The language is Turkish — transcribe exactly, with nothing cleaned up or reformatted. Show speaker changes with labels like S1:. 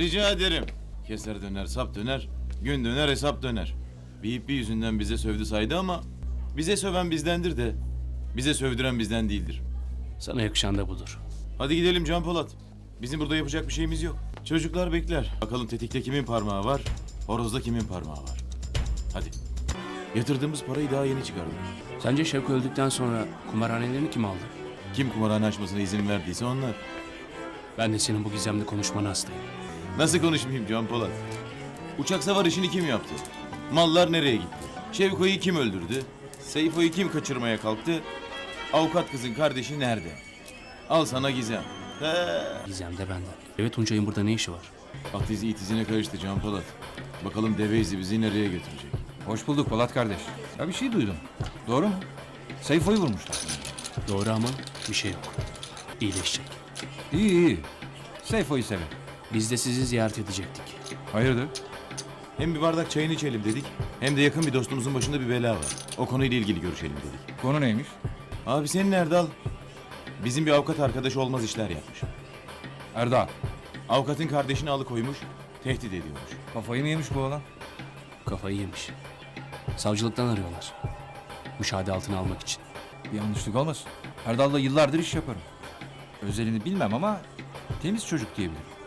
S1: Rica ederim. Keser döner, sap döner, gün döner, hesap döner. Bir ipi yüzünden bize sövdü saydı ama bize söven bizdendir de bize sövdüren bizden değildir.
S2: Sana yakışan da budur.
S1: Hadi gidelim Can Polat. Bizim burada yapacak bir şeyimiz yok. Çocuklar bekler. Bakalım tetikte kimin parmağı var, horozda kimin parmağı var. Hadi. Yatırdığımız parayı daha yeni çıkardık.
S2: Sence Şevko öldükten sonra kumarhanelerini kim aldı?
S1: Kim kumarhane açmasına izin verdiyse onlar.
S2: Ben de senin bu gizemli konuşmana hastayım.
S1: Nasıl konuşmayayım Can Polat? Uçak savar işini kim yaptı? Mallar nereye gitti? Şevko'yu kim öldürdü? Seyfo'yu kim kaçırmaya kalktı? Avukat kızın kardeşi nerede? Al sana gizem. He.
S2: Gizem de benden. Evet, Tuncay'ın burada ne işi var?
S1: At izi it izine karıştı Can Polat. Bakalım deve izi bizi nereye götürecek?
S3: Hoş bulduk Polat kardeş. Ya bir şey duydum. Doğru mu? Seyfo'yu vurmuşlar.
S2: Doğru ama bir şey yok. İyileşecek.
S3: İyi iyi. Seyfo'yu sevin.
S2: Biz de sizi ziyaret edecektik.
S3: Hayırdır?
S1: Hem bir bardak çayını içelim dedik, hem de yakın bir dostumuzun başında bir bela var. O konuyla ilgili görüşelim dedik.
S3: Konu neymiş?
S1: Abi senin Erdal, bizim bir avukat arkadaş olmaz işler yapmış.
S3: Erdal.
S1: Avukatın kardeşini alıkoymuş, tehdit ediyormuş.
S3: Kafayı mı yemiş bu oğlan?
S2: Kafayı yemiş. Savcılıktan arıyorlar. Müşahede altına almak için.
S3: Bir yanlışlık olmasın. Erdal'la yıllardır iş yaparım. Özelini bilmem ama temiz çocuk diyebilirim.